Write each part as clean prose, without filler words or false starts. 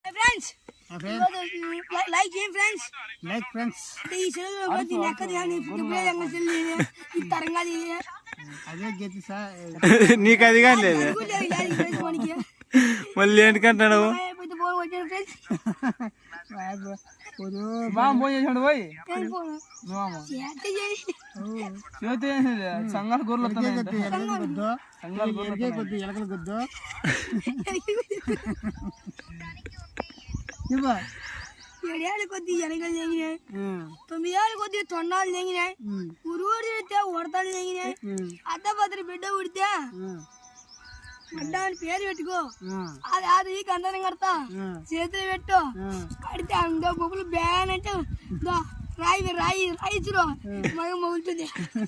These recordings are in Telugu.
ఫ్రెండ్స్ లైక్ చేయండి ఫ్రెండ్స్. Like friends. ఈ చెరువులో పోతే నెక్కది కానీ ఫుట్బాల్ అంగ చెల్లి ఈ తరంగా అదే గతి సార్. నీకు అది కానీ లేదు మళ్ళీ ఏంటికంటాడు సంఘాలు గొర్రెలు కొద్ది ఎలకలు కొద్దు 7 ఏళ్ళ కొద్ది ఎలకలు తెగినాయి, 9 ఏళ్ళ కొద్ది తొండాలు తెగినాయి, ఉరువురు తిడితే ఉడతలు తెగినాయి. అద్దపత్రి బిడ్డ ఉడితే బిడ్డ అని పేరు పెట్టుకో, అది అది కందనం కడతా చేతులు పెట్టు కడితే అందో బొబ్బులు బ్యాన్ అంటే రాయి రాయి రాయిచురు మగ మొగులుతుంది.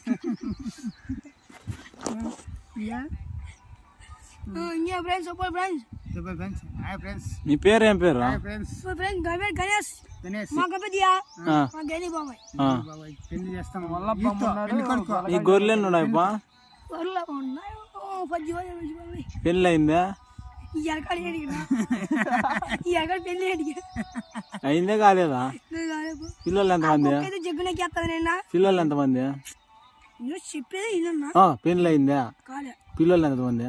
ఇంకా ఫ్రెండ్స్ సూపర్ ఫ్రెండ్స్. మీ పేరు ఏం పేరు? గణేష్ మా గణపతియా మా గణి బాబాయ్. పెళ్లి చేస్తాం. ఈ గొర్రెలు ఉన్నాయి పెళ్ళి అయిందా? అయిందే కాలేదా? పిల్లలు ఎంతమంది? పిల్లలు ఎంతమంది? పెళ్ళి అయిందా? పిల్లలు ఎంతమంది?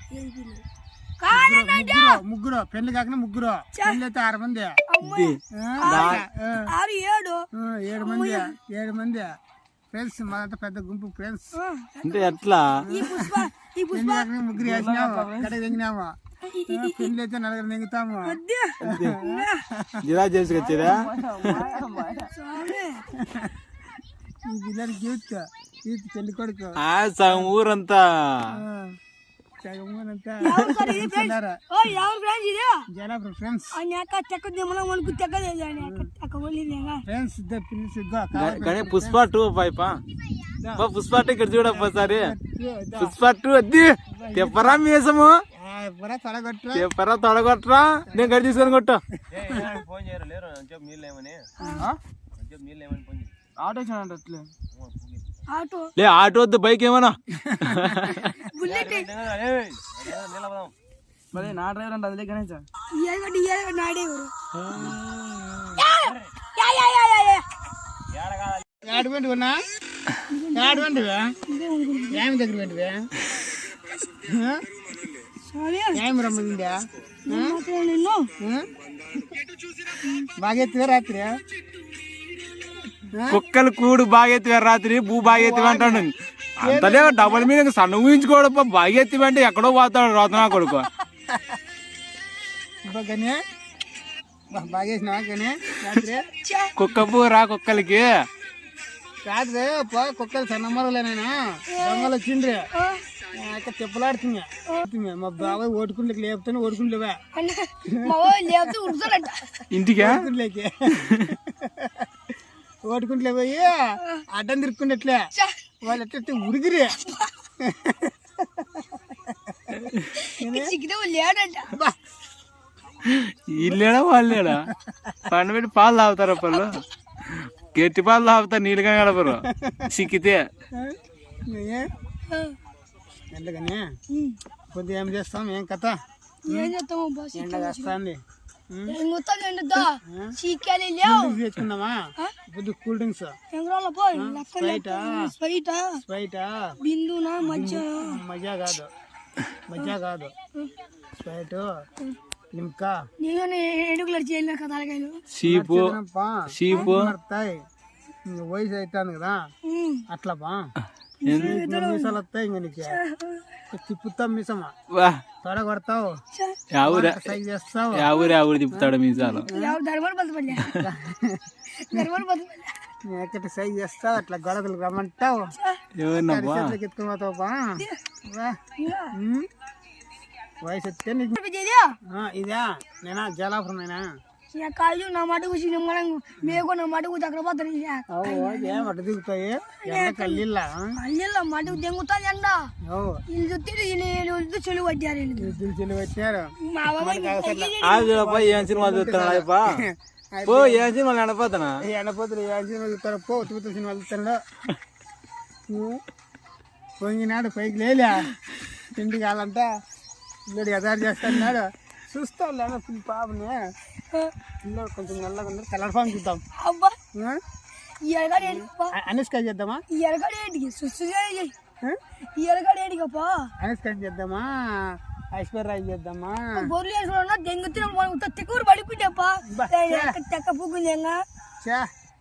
ముగ్గురు. పెళ్లి కాకుండా ముగ్గురు. పెళ్లి అయితే 6 మంది. 7 మంది ఫ్రెండ్స్. మాదంతా పెద్ద గుంపు ఫ్రెండ్స్. అంటే ఎట్లా ముగ్గురు వేసినాము, గడకి తెగినాము. పెళ్లి అయితే 4 నెంగుతాము. జిరా చేసుకొచ్చేదా? ఈ పిల్లలకి యూత్ పెళ్లి కొడుకు సగం ఊరంతా పుష్ప 2 పైపా పుష్ప 2 ఇక్కడ చూడప్పసారి పుష్ప 2 అద్ది తెప్పరా మీసము తెప్పరా తొడగొట్టరా నేను గడి తీసుకొని కొట్టు. లే ఆటో వద్దు బైక్ ఏమన్నా మరి నా డ్రైవర్ అంటే అదిలే గణేష్ ఏడుపెంటున్నా ఏడుపెంటివా ఏమి దగ్గర పెంటివా ఏమి రమ్మందా బాగా ఎత్తుగా రాత్రి కుక్కలు కూడు బాగెత్తివా రాత్రి భూ బాగెత్తివా అంటాడు. అంతలే డబల్ మీద సన్న ఊహించుకోవడం బాగెత్తివా అంటే ఎక్కడో పోతాడు రోతనా కొడుకు. కుక్క పూరా కుక్కలకి రాత్రి కుక్కలు సన్నమ్మలేనా దొంగలు వచ్చిండ్రి తిప్పలాడుతున్నా. మా బాబాయ్ ఓటుకుంటే లేపుతాను ఓటుకుంటేవా ఇంటికి ఓటుకుంటలే పోయి అడ్డం తిరుక్కుండట్లే వాళ్ళు ఎట్లా ఉరిగిరి ఇల్లేడా వాళ్ళేడా పండు పెట్టి పాలు తాగుతారు పళ్ళు గట్టి పాలు తాగుతారు నీళ్ళుగా గడపరు సిక్కితే. ఎందుకని కొద్దిగా ఏం చేస్తాం ఏం కథ ఎండ వస్తుంది తెచ్చుకుందామా కొద్ది కూల్ డ్రింక్స్ స్ప్రైట్ మజా కాదు స్ప్రైట్ లిమ్కా షీపు వయసు అవుతాను కదా అట్లా బా మీసాలు వస్తాయి ఇంక నీకు తిప్పుతాం మీసమా తొడ కొడతావు సైజ్ చేస్తావు ఎవరు తిప్పుతాడు మీసాలు ఎక్కటి సైజ్ చేస్తావు అట్లా గొడవలు రమ్మంటావు ఎత్తుకుని పోతావు బా వయసు వస్తే నీకు ఇదా నేనా జలాపురం నేనా కాళ్ళు నా మటుకు మేకు నా మటుకు దగ్గర పోతారు మటు దిగుతాయి కల్లిళ్ళ మటుకు దెంగుతుంది ఎండ ఇల్లు చుట్టి చెలువు పట్టారు చెలువు పట్టారు. ఏం సినిమా చూస్తున్నాడు ఏం సినిమాలు ఎండపోతున్నా ఎండపోతులు ఏం సినిమా చూస్తారు పో తూత సినిమాలు చూస్తాడు. పొంగినాడు పైకి లేలే తిండి కావాలంతా ఇల్లుడు ఎదారు చేస్తున్నాడు చూస్తా లేదా పాపని పిల్లలు కొంచెం నల్లగా ఉంది కలర్ఫామ్ చూద్దాం అబ్బా ఆ? ఈ ఎరగాడు ఏంటికప్పా అనుష్క చేద్దామా ఈ ఎరగాడు ఏంటికి సుస్తుగా ఈ ఎరగాడు ఏంటికప్పా అనుష్క చేద్దామా ఐశ్వర్య చేద్దామా బొర్లు వేసుకున్నా దెంగుతున్నా తిక్కూరు పడిపోయాప్పా బా, తెక్క పుగ్గుంది చా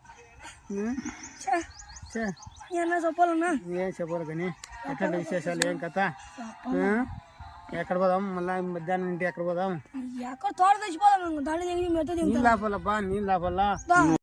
చా ఏమన్నా చెప్పాలన్నా ఏం చెప్పాలి కానీ ఎక్కడ విశేషాలు ఏం కథ ఆ? ఎక్కడ పోదాం మళ్ళీ మధ్యాహ్నం ఇంటి ఎక్కడ పోదాం ఎక్కడ తోట తెచ్చిపోదాం దాంట్లో మెత్త నీళ్ళు ఆపాలబ్బా నీళ్ళు ఆపాలా